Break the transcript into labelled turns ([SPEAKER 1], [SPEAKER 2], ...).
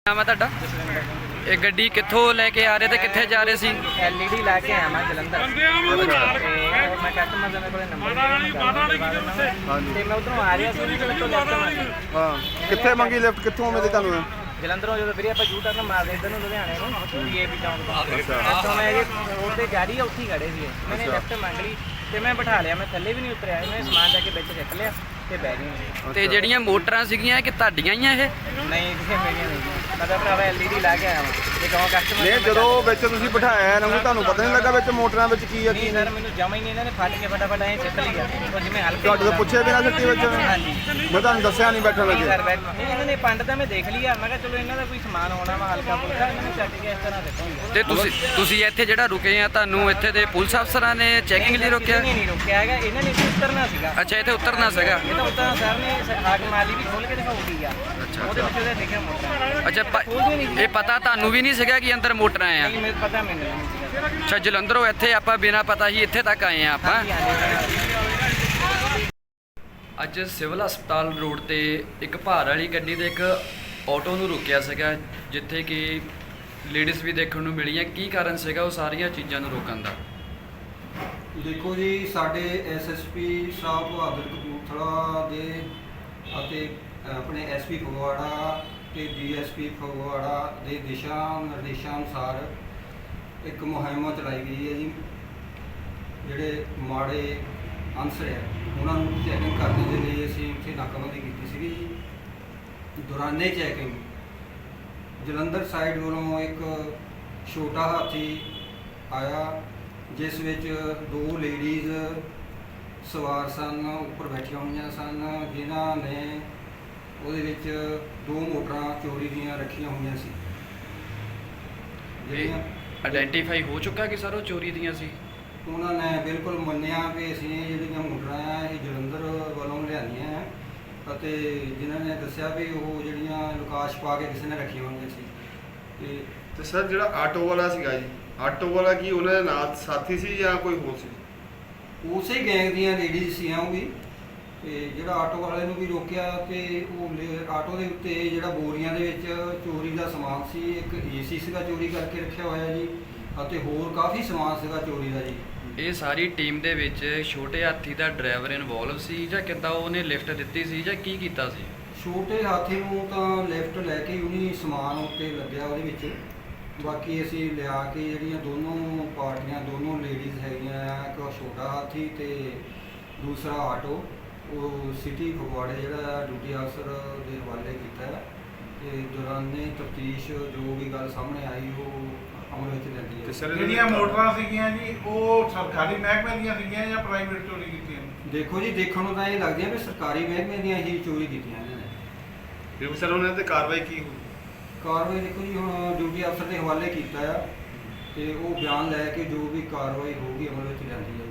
[SPEAKER 1] ਨਾਮ ਹੈ ਤੁਹਾਡਾ? ਇਹ ਗੱਡੀ ਕਿੱਥੋਂ ਲੈ ਕੇ ਆ ਰਹੇ ਤੇ ਕਿੱਥੇ ਜਾ ਰਹੇ ਸੀ?
[SPEAKER 2] LED ਲੈ ਕੇ ਆਇਆ ਮੈਂ ਜਲੰਧਰ ਤੇ ਮੈਂ ਕਸਟਮਰ ਦੇ ਕੋਲ ਨੰਬਰ ਤੇ ਮੈਂ ਉਧਰੋਂ ਆ ਰਿਹਾ ਸੀ ਤੇ ਮੈਨੂੰ ਲੈਫਟ ਮਾਰੀ।
[SPEAKER 3] ਹਾਂ, ਕਿੱਥੇ ਮੰਗੀ ਲਿਫਟ? ਕਿੱਥੋਂ ਮਿਲੀ ਤੁਹਾਨੂੰ?
[SPEAKER 2] ਜਲੰਧਰੋਂ ਜਦੋਂ ਵੀਰੇ ਆਪਾਂ U-turn ਮਾਰਦੇ ਇੱਧਰ ਨੂੰ ਲੁਧਿਆਣੇ ਨੂੰ DAP ਚੌਂਕ ਤੋਂ ਮੈਂ ਉਹਦੇ ਗਾੜੀ ਉੱਥੇ ਹੀ ਖੜੇ ਸੀ। ਮੈਨੇ ਲੈਫਟ ਮੰਗ ਲਈ ਤੇ ਮੈਂ ਬਿਠਾ ਲਿਆ। ਮੈਂ ਥੱਲੇ ਵੀ ਨਹੀਂ ਉਤਰਿਆ, ਮੈਂ ਸਮਾਨ ਜਾ ਕੇ ਵਿੱਚ ਰੱਖ ਲਿਆ ਤੇ ਬਹਿ ਗਈ।
[SPEAKER 1] ਤੇ ਜਿਹੜੀਆਂ ਮੋਟਰਾਂ ਸੀਗੀਆਂ ਕਿ ਤੁਹਾਡੀਆਂ ਹੀ ਆ ਇਹ?
[SPEAKER 2] ਨਹੀਂ ਕਿਸੇ ਮੇਰੀਆਂ ਨਹੀਂ, ਮੈਂ ਤਾਂ ਭਰਾਵਾ LED ਲਾ ਕੇ ਆਇਆ ਵਾਂ ਤੇ ਕਹੋ ਕਸਟਮਰ
[SPEAKER 3] ਨਹੀਂ, ਜਦੋਂ ਵਿੱਚ ਤੁਸੀਂ ਬਿਠਾਇਆ ਇਹਨਾਂ ਨੂੰ ਤੁਹਾਨੂੰ ਪਤਾ ਨਹੀਂ ਲੱਗਾ ਵਿੱਚ ਮੋਟਰਾਂ ਵਿੱਚ ਕੀ ਆ ਕੀ
[SPEAKER 2] ਨਹੀਂ ਸਰ, ਮੈਨੂੰ ਜਮਾ ਹੀ ਨਹੀਂ। ਇਹਨਾਂ ਨੇ ਫੜ ਕੇ ਫਟਾਫਟ ਐਂ ਚੱਕ ਲਿਆ ਉਹ ਜਿਵੇਂ ਹਲਕੇ
[SPEAKER 3] ਤੁਹਾਡੇ ਤੋਂ ਪੁੱਛੇ ਬਿਨਾਂ ਸਿੱਟੀ ਵਿੱਚ?
[SPEAKER 2] ਹਾਂਜੀ
[SPEAKER 3] ਮੈਂ ਤੁਹਾਨੂੰ ਦੱਸਿਆ ਨਹੀਂ ਬੈਠਣ
[SPEAKER 2] ਨਹੀਂ
[SPEAKER 3] ਲੱਗੇ?
[SPEAKER 2] ਸਰ ਬੈਠ ਨਹੀਂ, ਇਹਨਾਂ ਨੇ ਪੰਡ ਤਾਂ ਮੈਂ ਦੇਖ ਲਿਆ। ਮੈਂ ਕਿਹਾ ਚਲੋ ਇਹਨਾਂ ਦਾ ਕੋਈ ਸਮਾਨ ਹੋਣਾ ਵਾ ਹਲਕਾ ਫੁਲਕਾ, ਇਹਨਾਂ ਨੇ ਚੱਕ ਕੇ ਇਸ ਤਰ੍ਹਾਂ ਦਿੱਤਾ।
[SPEAKER 1] ਤੇ ਤੁਸੀਂ ਇੱਥੇ ਜਿਹੜਾ ਰੁਕੇ ਆ, ਤੁਹਾਨੂੰ ਇੱਥੇ ਦੇ ਪੁਲਿਸ ਅਫਸਰਾਂ ਨੇ ਚੈਕਿੰਗ ਲਈ ਰੋਕਿਆ?
[SPEAKER 2] ਨਹੀਂ ਰੋਕਿਆ ਹੈਗਾ, ਇਹਨਾਂ ਨੇ ਇੱਥੇ ਉਤਰਨਾ ਸੀਗਾ।
[SPEAKER 1] ਅੱਛਾ, ਇੱਥੇ ਉਤਰਨਾ ਸੀਗਾ।
[SPEAKER 2] ਇਹ ਤਾਂ ਉਤਰਨਾ ਸਰ ਨੇ ਹਾਕ ਮਾਲੀ ਵੀ ਖੋਲ ਕੇ ਦਿਖਾਉਗੀ ਆ। ਉਹਦੇ ਵਿੱਚ ਉਹਦੇ ਲਿਖਿਆ ਮੋਟਰ।
[SPEAKER 1] ਅੱਛਾ, ਇਹ ਪਤਾ ਤੁਹਾਨੂੰ ਵੀ ਨਹੀਂ ਸੀਗਾ ਕਿ ਅੰਦਰ ਮੋਟਰਾਂ ਆ?
[SPEAKER 2] ਨਹੀਂ ਮੈਨੂੰ ਪਤਾ, ਮੈਨੂੰ ਨਹੀਂ ਸੀਗਾ।
[SPEAKER 1] ਅੱਛਾ, ਜਲੰਧਰੋਂ ਇੱਥੇ ਆਪਾਂ ਬਿਨਾਂ ਪਤਾ ਹੀ ਇੱਥੇ ਤੱਕ ਆਏ ਆ ਆਪਾਂ। ਅੱਜ ਸਿਵਲ ਹਸਪਤਾਲ ਰੋਡ ਤੇ ਇੱਕ ਭਾਰ ਵਾਲੀ ਗੱਡੀ ਤੇ ਇੱਕ ਆਟੋ ਨੂੰ ਰੁਕਿਆ ਸੀਗਾ, ਜਿੱਥੇ ਕਿ ਲੇਡੀਜ਼ ਵੀ ਦੇਖਣ ਨੂੰ ਮਿਲੀਆਂ। ਕੀ ਕਾਰਨ ਸੀਗਾ ਉਹ ਸਾਰੀਆਂ ਚੀਜ਼ਾਂ ਨੂੰ ਰੋਕਣ ਦਾ?
[SPEAKER 4] ਦੇਖੋ ਜੀ, ਸਾਡੇ SSP ਸਾਹਿਬ ਬਹਾਦਰ ਕਪੂਰਥਲਾ ਦੇ ਅਤੇ ਆਪਣੇ SP ਫਗਵਾੜਾ ਤੇ DSP ਫਗਵਾੜਾ ਦੇ ਦਿਸ਼ਾ ਨਿਰਦੇਸ਼ਾਂ ਅਨੁਸਾਰ ਇੱਕ ਮੁਹਿੰਮ ਚਲਾਈ ਗਈ ਹੈ ਜੀ। ਜਿਹੜੇ ਮਾੜੇ ਅਨਸਰ ਹੈ ਉਹਨਾਂ ਨੂੰ ਚੈਕਿੰਗ ਕਰਨ ਦੇ ਲਈ ਅਸੀਂ ਉੱਥੇ ਨਾਕਾਬੰਦੀ ਕੀਤੀ ਸੀਗੀ ਜੀ। ਦੌਰਾਨੇ ਚੈਕਿੰਗ ਜਲੰਧਰ ਸਾਈਡ ਵੱਲੋਂ ਇੱਕ ਛੋਟਾ ਹਾਥੀ ਆਇਆ, ਜਿਸ ਵਿੱਚ 2 ਲੇਡੀਜ਼ ਸਵਾਰ ਸਨ, ਉੱਪਰ ਬੈਠੀਆਂ ਹੋਈਆਂ ਸਨ, ਜਿਨ੍ਹਾਂ ਨੇ ਉਹਦੇ ਵਿੱਚ 2 ਮੋਟਰਾਂ ਚੋਰੀ ਦੀਆਂ ਰੱਖੀਆਂ ਹੋਈਆਂ ਸੀ। ਜਿਹੜੀਆਂ
[SPEAKER 1] ਆਇਡੈਂਟੀਫਾਈ ਹੋ ਚੁੱਕਾ ਕਿ ਸਰ ਉਹ ਚੋਰੀ ਦੀਆਂ ਸੀ?
[SPEAKER 4] ਉਹਨਾਂ ਨੇ ਬਿਲਕੁਲ ਮੰਨਿਆ ਕਿ ਅਸੀਂ ਜਿਹੜੀਆਂ ਮੋਟਰਾਂ ਆ ਇਹ ਜਲੰਧਰ ਵੱਲੋਂ ਲਿਆਂਦੀਆਂ ਆ, ਅਤੇ ਜਿਨ੍ਹਾਂ ਨੇ ਦੱਸਿਆ ਵੀ ਉਹ ਜਿਹੜੀਆਂ ਲੁਕਾਸ਼ ਪਾ ਕੇ ਕਿਸੇ ਨੇ ਰੱਖੀਆਂ ਹੋਈਆਂ ਸੀ।
[SPEAKER 3] ਤੇ ਸਰ ਜਿਹੜਾ ਆਟੋ ਵਾਲਾ ਸੀਗਾ ਜੀ, ਆਟੋ ਵਾਲਾ ਕੀ ਉਹਨਾਂ ਦੇ ਨਾਲ ਸਾਥੀ ਸੀ ਜਾਂ ਕੋਈ ਹੋਰ ਸੀ?
[SPEAKER 4] ਉਸੇ ਗੈਂਗ ਦੀਆਂ ਲੇਡੀਜ਼ ਸੀ ਉਹ ਵੀ। ਤੇ ਜਿਹੜਾ ਆਟੋ ਵਾਲੇ ਨੂੰ ਵੀ ਰੋਕਿਆ ਤੇ ਉਹ ਆਟੋ ਦੇ ਉੱਤੇ ਜਿਹੜਾ ਬੋਰੀਆਂ ਦੇ ਵਿੱਚ ਚੋਰੀ ਦਾ ਸਮਾਨ ਸੀ, ਇੱਕ AC ਸੀਗਾ ਚੋਰੀ ਕਰਕੇ ਰੱਖਿਆ ਹੋਇਆ ਜੀ, ਅਤੇ ਹੋਰ ਕਾਫੀ ਸਮਾਨ ਸੀਗਾ ਚੋਰੀ ਦਾ ਜੀ।
[SPEAKER 1] ਇਹ ਸਾਰੀ ਟੀਮ ਦੇ ਵਿੱਚ ਛੋਟੇ ਹਾਥੀ ਦਾ ਡਰਾਈਵਰ ਇਨਵੋਲਵ ਸੀ ਜਾਂ ਕਿੱਦਾਂ ਉਹਨੇ ਲਿਫਟ ਦਿੱਤੀ ਸੀ ਜਾਂ ਕੀ ਕੀਤਾ ਸੀ?
[SPEAKER 4] ਛੋਟੇ ਹਾਥੀ ਨੂੰ ਤਾਂ ਲਿਫਟ ਲੈ ਕੇ ਉਹਨੇ ਸਮਾਨ ਉੱਤੇ ਲੱਗਿਆ ਉਹਦੇ ਵਿੱਚ। ਬਾਕੀ ਅਸੀਂ ਲਿਆ ਕੇ ਜਿਹੜੀਆਂ ਦੋਨੋਂ ਪਾਰਟੀਆਂ, ਦੋਨੋਂ ਲੇਡੀਜ਼ ਹੈਗੀਆਂ ਆ, ਇੱਕ ਛੋਟਾ ਹਾਥੀ ਤੇ ਦੂਸਰਾ ਆਟੋ, ਉਹ ਸਿਟੀ ਫਗਵਾੜੇ ਜਿਹੜਾ ਡਿਊਟੀ ਅਫਸਰ ਦੇ ਹਵਾਲੇ ਕੀਤਾ ਹੈ। ਤੇ ਦੌਰਾਨੇ ਤਫਤੀਸ਼ ਜੋ ਵੀ ਗੱਲ ਸਾਹਮਣੇ ਆਈ ਉਹ ਅਮਲ ਵਿੱਚ ਲੈਂਦੀ ਹੈ।
[SPEAKER 5] ਜਿਹੜੀਆਂ ਮੋਟਰਾਂ ਸੀਗੀਆਂ ਜੀ ਉਹ ਸਰਕਾਰੀ ਮਹਿਕਮੇ ਦੀਆਂ ਸੀਗੀਆਂ ਜਾਂ ਪ੍ਰਾਈਵੇਟ ਚੋਰੀ ਕੀਤੀਆਂ?
[SPEAKER 4] ਦੇਖੋ ਜੀ, ਦੇਖਣ ਨੂੰ ਤਾਂ ਇਹ ਲੱਗਦੀਆਂ ਵੀ ਸਰਕਾਰੀ ਮਹਿਕਮੇ ਦੀਆਂ ਹੀ ਚੋਰੀ ਕੀਤੀਆਂ ਇਹਨਾਂ ਨੇ।
[SPEAKER 3] ਫਿਰ ਸਰ ਉਹਨਾਂ ਤੇ ਕਾਰਵਾਈ ਕੀ ਹੋਈ?
[SPEAKER 4] ਕਾਰਵਾਈ ਦੇਖੋ ਜੀ, ਹੁਣ ਡਿਊਟੀ ਅਫਸਰ ਦੇ ਹਵਾਲੇ ਕੀਤਾ ਆ ਤੇ ਉਹ ਬਿਆਨ ਲੈ ਕੇ ਜੋ ਵੀ ਕਾਰਵਾਈ ਹੋਊਗੀ ਅਮਲ ਵਿੱਚ ਲੈਂਦੀ ਹੈ।